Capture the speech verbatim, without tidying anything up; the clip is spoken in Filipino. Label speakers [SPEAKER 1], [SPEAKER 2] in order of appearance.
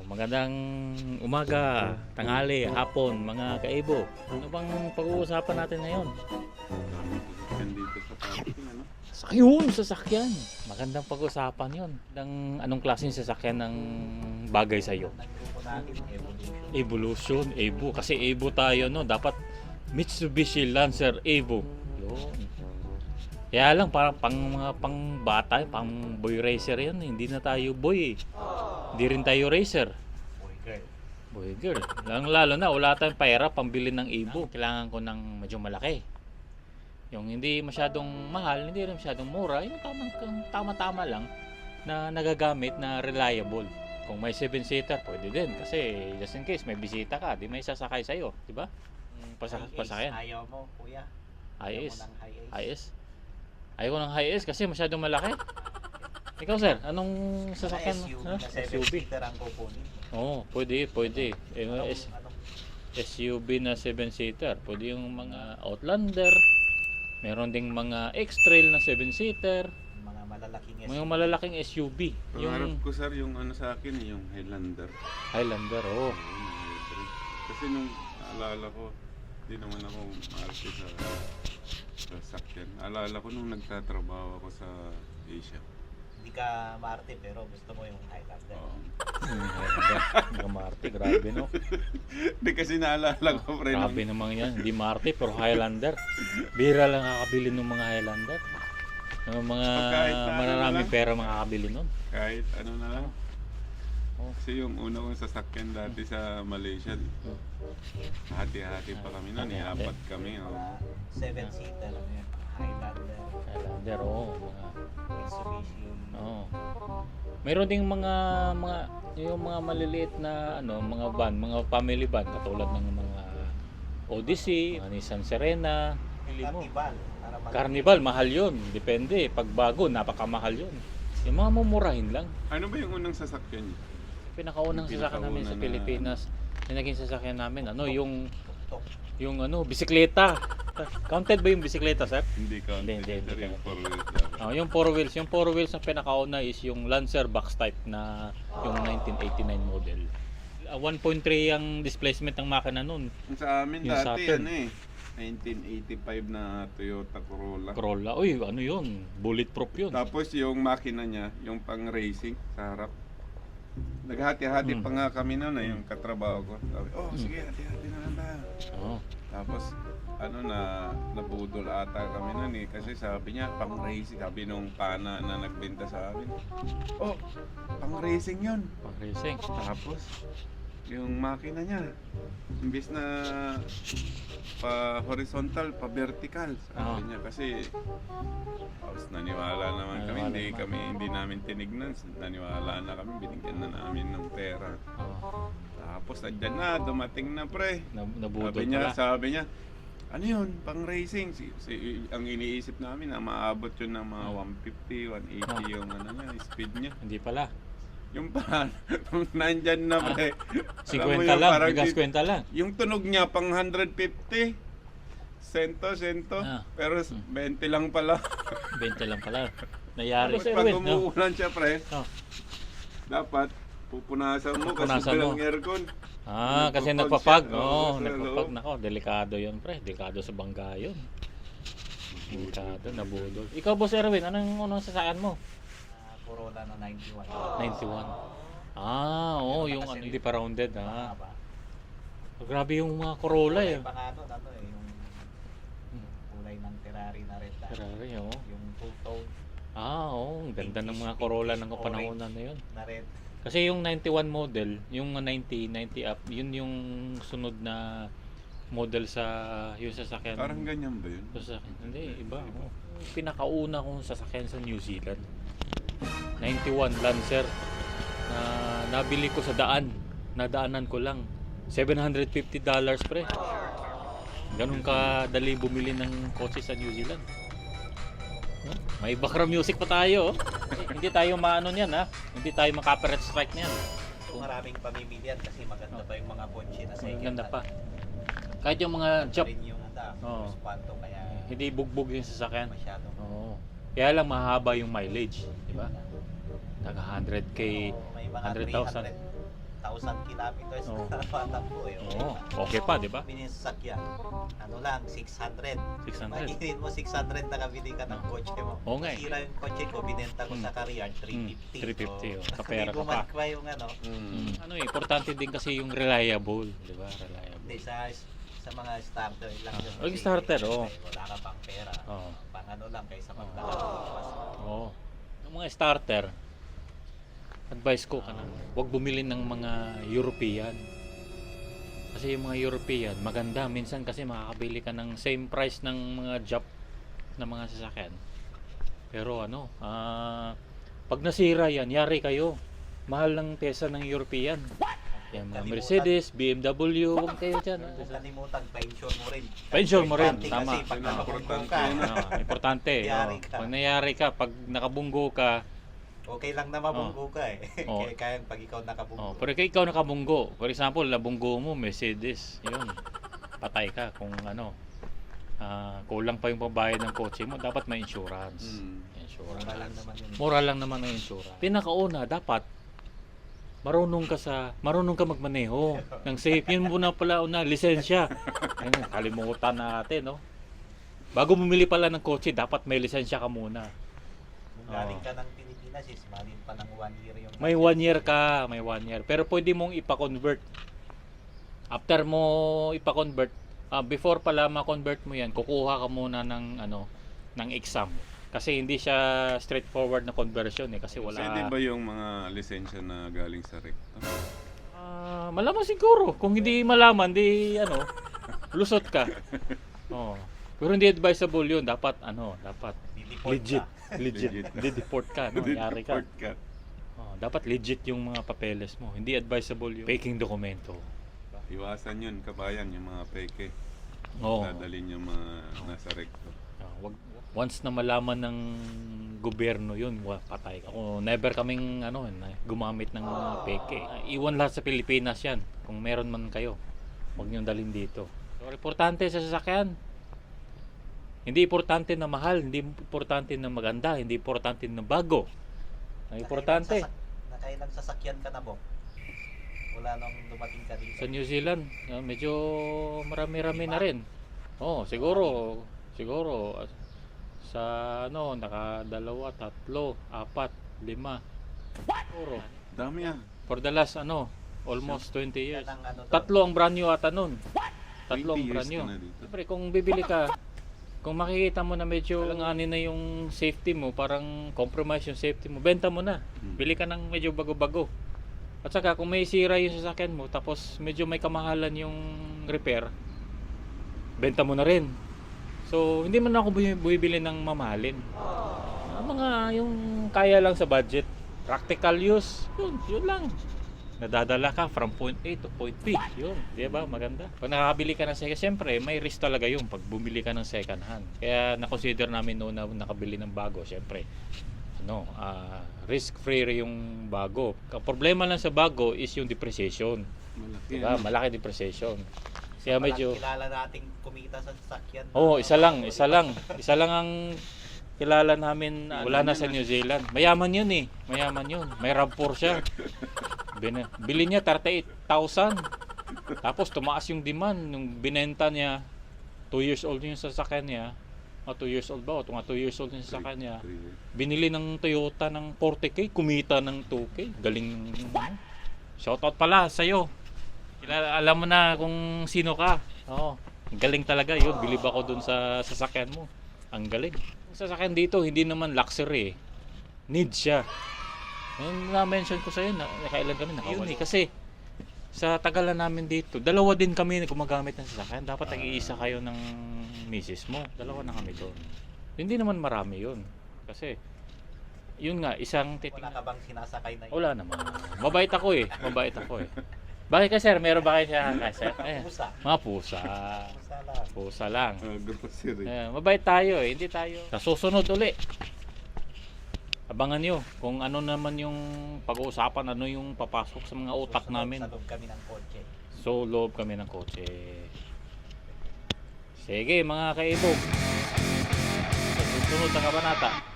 [SPEAKER 1] magandang umaga, tanghali, hapon, mga kaibo. Ano bang pag-uusapan natin ngayon?
[SPEAKER 2] Nandito sa parking, ano?
[SPEAKER 1] Ayun, sasakyan. Magandang pag-usapan yun. Ng, anong klaseng sasakyan ng bagay sa'yo? Evolution, Evo. Kasi Evo tayo, no? Dapat Mitsubishi Lancer Evo. Yun. Kaya lang, parang pang mga pang bata, pang boy racer yan. Hindi na tayo boy eh. Hindi rin tayo racer.
[SPEAKER 3] Boy girl.
[SPEAKER 1] Boy girl. Lalo, lalo na, wala tayong pera pambili ng Evo. Kailangan ko ng medyo malaki. Yung hindi masyadong mahal, hindi rin masyadong mura. Yung tamang, tama-tama lang na nagagamit na reliable. Kung may seven seater, pwede din. Kasi just in case may bisita ka, di may sasakay sa'yo. Diba? Pasa, pasakyan.
[SPEAKER 3] Ayaw mo, kuya.
[SPEAKER 1] High
[SPEAKER 3] Ayaw
[SPEAKER 1] S.
[SPEAKER 3] mo ng high ace.
[SPEAKER 1] High S. Ayaw ko ng high S kasi masyadong malaki. Ikaw sir, anong sasakyan mo?
[SPEAKER 3] S U V
[SPEAKER 1] Ha?
[SPEAKER 3] na
[SPEAKER 1] S
[SPEAKER 3] seven
[SPEAKER 1] U V.
[SPEAKER 3] seater ang kukunin.
[SPEAKER 1] Oo, pwede, pwede. Eh,
[SPEAKER 3] Anong,
[SPEAKER 1] S-
[SPEAKER 3] anong,
[SPEAKER 1] SUV na seven seater. Pwede yung mga Outlander. Meron ding mga X-Trail na seven seater.
[SPEAKER 3] mga malalaking S U V.
[SPEAKER 1] Mga malalaking S U V.
[SPEAKER 2] Pangarap
[SPEAKER 1] Yung
[SPEAKER 2] ko sir yung ano sa akin, yung Highlander.
[SPEAKER 1] Highlander, oh.
[SPEAKER 2] Oo, yung hybrid. Kasi nung naalala ko, di naman ako maarte sa sa sakyan. Alala ko nung nagtatrabaho ako sa Asia.
[SPEAKER 3] Hindi ka maarte pero gusto mo yung Highlander.
[SPEAKER 2] Oo.
[SPEAKER 1] Hmm, Highlander. Mga Marte, grabe no.
[SPEAKER 2] Di kasi naalala ko pre nung
[SPEAKER 1] Grabe naman yan. Hindi Marte, pero Highlander. Bira lang nakakabili ng mga Highlander. Yung mga
[SPEAKER 2] Kahit na ano
[SPEAKER 1] maraming
[SPEAKER 2] lang.
[SPEAKER 1] pera makakabili nun.
[SPEAKER 2] kahit ano na lang.
[SPEAKER 1] Oh.
[SPEAKER 2] Kasi yung una kong sasakyan dati sa Malaysia, hati-hati pa kami noon, eh,
[SPEAKER 1] Hati-hati.
[SPEAKER 2] apat kami. Oh.
[SPEAKER 3] Mga seven seater. Highlander.
[SPEAKER 1] Highlander, oh. Mga,
[SPEAKER 3] Mitsubishi.
[SPEAKER 1] oh. Meron ding mga mga yung mga maliliit na ano, mga van, mga family van katulad ng mga Odyssey, mga Nissan Serena. Pili mo.
[SPEAKER 3] Carnival. Para mag-
[SPEAKER 1] Carnival, mahal yun. Depende. Pag bago, napakamahal yun. Yung mga mumurahin lang.
[SPEAKER 2] Ano ba yung unang sasakyan niyo?
[SPEAKER 1] Pinakaunang
[SPEAKER 2] Yung
[SPEAKER 1] sasakyan namin sa
[SPEAKER 2] pinakauna na-
[SPEAKER 1] Pilipinas, yung naging sasakyan namin, ano, yung,
[SPEAKER 3] Tuk-tuk.
[SPEAKER 1] yung ano, bisikleta. Counted ba yung bisikleta, sir?
[SPEAKER 2] Hindi ka.
[SPEAKER 1] Hindi, hindi,
[SPEAKER 2] Sir,
[SPEAKER 1] hindi
[SPEAKER 2] yung
[SPEAKER 1] ka.
[SPEAKER 2] four wheels lang.
[SPEAKER 1] Oh, yung four wheels, yung four wheels na pinakauna is yung Lancer box type na yung nineteen eighty-nine model. Uh, one point three ang displacement ng makina nun.
[SPEAKER 2] Sa amin
[SPEAKER 1] Yung
[SPEAKER 2] dati,
[SPEAKER 1] Saturn.
[SPEAKER 2] ano eh, nineteen eighty-five na Toyota Corolla.
[SPEAKER 1] Corolla. Uy, ano yun? Bulletproof yun.
[SPEAKER 2] Tapos yung makina niya, yung pang racing sa harap. Naghati-hati
[SPEAKER 1] Mm.
[SPEAKER 2] pa nga kami na na yung katrabaho ko. Sabi, oh
[SPEAKER 1] Mm.
[SPEAKER 2] sige, hati-hati na lang tayo.
[SPEAKER 1] Oh.
[SPEAKER 2] Tapos, ano na, nabudol ata kami nun eh. Kasi sabi niya, pang racing. Sabi nung pana na nagbenta sa akin. Oh, pang racing yun.
[SPEAKER 1] Pang racing.
[SPEAKER 2] Tapos, yung makina niya, imbis na pa horizontal, pa vertical. Sabi
[SPEAKER 1] Ah.
[SPEAKER 2] niya kasi, tapos naniwala naman kami,
[SPEAKER 1] Naniwala
[SPEAKER 2] hindi
[SPEAKER 1] naman.
[SPEAKER 2] kami, hindi namin tinignan. Naniwala na kami, binigyan na namin ng pera.
[SPEAKER 1] Oh.
[SPEAKER 2] Tapos, andyan na, dumating na pre.
[SPEAKER 1] Nab- Nabudol
[SPEAKER 2] Sabi niya,
[SPEAKER 1] pala.
[SPEAKER 2] sabi niya, ano yun, pang racing. Si, si, ang iniisip namin na maabot yun ng mga one fifty, one eighty
[SPEAKER 1] Ah.
[SPEAKER 2] yung ano niya, speed niya.
[SPEAKER 1] Hindi pala.
[SPEAKER 2] Yung pa, nung nandyan na pre.
[SPEAKER 1] Si
[SPEAKER 2] alam mo
[SPEAKER 1] kwenta
[SPEAKER 2] yun,
[SPEAKER 1] lang,
[SPEAKER 2] parang
[SPEAKER 1] bigas
[SPEAKER 2] di-
[SPEAKER 1] kwenta lang.
[SPEAKER 2] Yung tunog niya pang one fifty. Sento, sento.
[SPEAKER 1] Ah.
[SPEAKER 2] Pero twenty lang pala.
[SPEAKER 1] Benta lang pala. Nayari
[SPEAKER 2] Tapos
[SPEAKER 1] sa
[SPEAKER 2] pag
[SPEAKER 1] Erwin, no?
[SPEAKER 2] umuulan siya pre,
[SPEAKER 1] Oh.
[SPEAKER 2] dapat pupunasan mo kasi
[SPEAKER 1] Pupunasan mo.
[SPEAKER 2] walang aircon.
[SPEAKER 1] Ah, kasi
[SPEAKER 2] Nagpapag
[SPEAKER 1] nagpapag.
[SPEAKER 2] siya.
[SPEAKER 1] Oo,
[SPEAKER 2] Oo,
[SPEAKER 1] oh,
[SPEAKER 2] sa
[SPEAKER 1] nagpapag.
[SPEAKER 2] loob.
[SPEAKER 1] Nako, delikado yun, pre. Delikado sa bangga yun. Delikado, nabudol. Ikaw, Boss Erwin, anong unang sasakyan mo?
[SPEAKER 3] Ah, Corolla na ninety-one.
[SPEAKER 1] ninety-one. Ah, oo, yung ano, hindi pa rounded, ha.
[SPEAKER 3] Mahaba.
[SPEAKER 1] Grabe yung mga Corolla, eh.
[SPEAKER 3] Kulay pa nga nun, ano eh, yung kulay ng Ferrari na red dot.
[SPEAKER 1] Ferrari, oo.
[SPEAKER 3] Yung two-tone
[SPEAKER 1] Ah, oo, ang ganda ng mga Corolla ng kapanahonan na yun.
[SPEAKER 3] na red.
[SPEAKER 1] Kasi yung ninety-one model, yung ninety, ninety up, yun yung sunod na model sa yung sasakyan.
[SPEAKER 2] Parang ganyan ba yun?
[SPEAKER 1] Sasakyan. Hindi, iba. Oh. Pinakauna kong sasakyan sa New Zealand. ninety-one Lancer. Na nabili ko sa daan. Nadaanan ko lang. seven hundred fifty dollars pre. Ganun ka dali bumili ng kotse sa New Zealand. Huh? May background music pa tayo. Oh. Hindi tayo maano niyan ha. Hindi tayo maka-copyright strike niyan.
[SPEAKER 3] Kung maraming pamimilian kasi maganda pa yung mga kotse na second
[SPEAKER 1] Maganda
[SPEAKER 3] hand.
[SPEAKER 1] pa. Kahit yung mga job,
[SPEAKER 3] Rin yung anda,
[SPEAKER 1] Oo.
[SPEAKER 3] Spanto kaya
[SPEAKER 1] hindi bugbog yung sasakyan.
[SPEAKER 3] masyadong
[SPEAKER 1] Oo. Kaya lang mahaba yung mileage, di ba? Taga one hundred K,
[SPEAKER 3] Oo, may mga
[SPEAKER 1] one hundred thousand.
[SPEAKER 3] thousand kilometers
[SPEAKER 1] Oo.
[SPEAKER 3] na napatakbo eh.
[SPEAKER 1] Oo, okay pa, di ba?
[SPEAKER 3] Binisakyan. Ano lang, six hundred.
[SPEAKER 1] six hundred.
[SPEAKER 3] Magiging mo six hundred nakabili ka ng kotse mo.
[SPEAKER 1] Oo nga eh.
[SPEAKER 3] Sira yung kotse ko, binenta ko
[SPEAKER 1] Mm.
[SPEAKER 3] sa Kariyan, three fifty.
[SPEAKER 1] Mm, three fifty, oh.
[SPEAKER 3] So,
[SPEAKER 1] Kapera
[SPEAKER 3] hindi
[SPEAKER 1] ka pa.
[SPEAKER 3] bumagkwa yung ano.
[SPEAKER 2] Mm.
[SPEAKER 1] Ano eh, importante din kasi yung reliable, di ba? Reliable.
[SPEAKER 3] Hindi, sa, sa mga starter lang yun.
[SPEAKER 1] Oh, yung
[SPEAKER 3] Kasi,
[SPEAKER 1] starter,
[SPEAKER 3] eh,
[SPEAKER 1] oh.
[SPEAKER 3] Wala ka pang pera.
[SPEAKER 1] Oo.
[SPEAKER 3] Pang ano lang, kaysa
[SPEAKER 1] Oo.
[SPEAKER 3] magdala.
[SPEAKER 1] Oo. Yung mga starter, advice ko ka na, huwag bumili ng mga European. Kasi yung mga European, maganda. Minsan kasi makakabili ka ng same price ng mga Jap na mga sasakyan. Pero ano, ah, pag nasira yan, yari kayo. Mahal ng pyesa ng European. Yan, mga
[SPEAKER 3] Kalimutan.
[SPEAKER 1] Mercedes, B M W, huwag kayo dyan. ah.
[SPEAKER 3] Kung kalimutan, pension mo rin.
[SPEAKER 1] Pension mo rin,
[SPEAKER 3] Importante
[SPEAKER 1] tama.
[SPEAKER 3] Kasi pag
[SPEAKER 1] Ah.
[SPEAKER 3] nakabunggo
[SPEAKER 2] Importante
[SPEAKER 3] ka,
[SPEAKER 2] yun,
[SPEAKER 1] Ah, importante.
[SPEAKER 3] Yari
[SPEAKER 1] oh.
[SPEAKER 3] ka.
[SPEAKER 1] Pag nangyari ka, pag nakabunggo ka,
[SPEAKER 3] okay lang na mabunggo ka eh.
[SPEAKER 1] Oh.
[SPEAKER 3] Kaya kaya pag ikaw nakabunggo.
[SPEAKER 1] oh, pero kung ikaw nakabunggo, for example, nabunggo mo, Mercedes, yun, patay ka kung ano, ah, kulang pa yung pambayad ng kotse mo, dapat may insurance.
[SPEAKER 2] Mm.
[SPEAKER 1] Insurance.
[SPEAKER 3] Mura lang naman yun.
[SPEAKER 1] Mura lang naman ang insurance. Pinakauna, dapat marunong ka sa marunong ka magmaneho ng safe. Yun muna pala una, lisensya. Ayun, kalimutan natin, no? Bago bumili pala ng kotse, dapat may lisensya ka muna.
[SPEAKER 3] Kung galing ka ng Pilipinas, is malin pa ng one year yung...
[SPEAKER 1] May one year ka, may one year. Pero pwede mong ipa-convert. After mo ipa-convert, ah, before pala ma-convert mo yan, kukuha ka muna ng ano, ng exam. Kasi hindi siya straightforward na conversion eh, kasi wala.
[SPEAKER 2] Pwede ba yung mga lisensya na galing sa rekta?
[SPEAKER 1] Ah, malaman siguro. Kung hindi malaman, di ano, lusot ka. Oh. Pero hindi advisable 'yun. Dapat ano, dapat
[SPEAKER 3] Dideport
[SPEAKER 1] legit,
[SPEAKER 3] ka.
[SPEAKER 1] legit.
[SPEAKER 2] Legit.
[SPEAKER 1] Di-deport ka, no? Yari ka.
[SPEAKER 2] Report ka.
[SPEAKER 1] Oh, dapat legit yung mga papeles mo. Hindi advisable yung faking dokumento.
[SPEAKER 2] Iwasan yun, kabayan, yung mga peke.
[SPEAKER 1] Oo.
[SPEAKER 2] Dadalhin yung mga nasa rekto.
[SPEAKER 1] Ah, wag once na malaman ng gobyerno 'yun, wa, patay ka. Ako never kaming ano, na- gumamit ng mga peke. Ah, iwan lahat sa Pilipinas 'yan. Kung meron man kayo, huwag niyo dalhin dito. So, importante sa sasakyan. Hindi importante na mahal, hindi importante na maganda, hindi importante na bago. Ang importante
[SPEAKER 3] Nakailang sasak- Nakailang sasakyan ka na, Bok? Wala nang dumating ka dito.
[SPEAKER 1] sa New Zealand, ah, medyo marami-rami na rin. Oh, siguro, siguro ah, sa ano, nakadalawa, tatlo, apat, lima. Siguro.
[SPEAKER 2] Dami ah.
[SPEAKER 1] For the last ano, almost twenty years.
[SPEAKER 3] Yan ang ano doon.
[SPEAKER 1] Tatlo ang brand new ata nun. Tatlo ang
[SPEAKER 2] twenty
[SPEAKER 1] brand
[SPEAKER 2] years
[SPEAKER 1] new.
[SPEAKER 2] ka na dito.
[SPEAKER 1] Siyempre, kung bibili ka, kung makikita mo na medyo langanin na yung safety mo, parang compromise yung safety mo, benta mo na.
[SPEAKER 2] Hmm.
[SPEAKER 1] Bili ka ng medyo bago-bago. At saka kung may sira yung sasakyan mo, tapos medyo may kamahalan yung repair, benta mo na rin. So, hindi man ako bu- bumibili ng mamahalin. Ah, mga yung kaya lang sa budget, practical use, yun, yun lang. Nadadala ka from point A to point B. Yun, di ba? Maganda. Pag nakakabili ka ng second, siyempre, may risk talaga yun pag bumili ka ng second hand. Kaya na-consider namin noon na nakabili ng bago, siyempre. Ano, ah, risk-free yung bago. Ang problema lang sa bago is yung depreciation.
[SPEAKER 2] Malaki.
[SPEAKER 1] Di ba?
[SPEAKER 2] ano?
[SPEAKER 1] Malaki depreciation. Kaya medyo...
[SPEAKER 3] Walang kilala nating kumita sa sasakyan.
[SPEAKER 1] Oo, oh, isa lang, isa lang. Isa lang ang kilala namin, ah, wala na sa New Zealand. Mayaman yun eh. Mayaman yun. May RAV four siya. Bin- Bili niya thirty-eight thousand. Tapos tumaas yung demand. Nung binenta niya, two years old yung sasakyan niya. O two years old ba? O tunga two years old yung sasakyan niya.
[SPEAKER 2] Three years.
[SPEAKER 1] Binili ng Toyota ng forty K. Kumita ng two K. Galing. Ano? Shoutout pala sa'yo. Kilala, alam mo na kung sino ka. Oo. Ang galing talaga yun. Bilib ako dun sa sasakyan mo. Ang galing. Ang sasakyan dito, hindi naman luxury eh. Need siya. Yung na-mention ko sa'yo, na, nakailan kami nakawala. Eh, kasi sa tagalan namin dito, dalawa din kami na gumagamit ng sasakyan. Dapat nag-iisa kayo ng misis mo. Dalawa na kami doon. Hindi naman marami yun. Kasi, yun nga, isang
[SPEAKER 3] Wala
[SPEAKER 1] titingnan.
[SPEAKER 3] ka bang sinasakay na
[SPEAKER 1] Wala naman. Mabait ako eh. Mabait ako eh. Bakit ka sir? Meron ba kayo siya ka sir? Ayan.
[SPEAKER 3] Pusa.
[SPEAKER 1] Mga pusa.
[SPEAKER 3] Pusa lang.
[SPEAKER 1] Pusa lang.
[SPEAKER 2] Ah, grocery.
[SPEAKER 1] Ayan, mabait tayo eh. Hindi tayo. Sa susunod uli. Abangan nyo kung ano naman yung pag-uusapan, ano yung papasok sa mga utak
[SPEAKER 3] Susunod
[SPEAKER 1] namin.
[SPEAKER 3] Sa loob kami ng kotse.
[SPEAKER 1] So, loob kami ng kotse. Sige mga kaibog. Sa susunod na kabanata.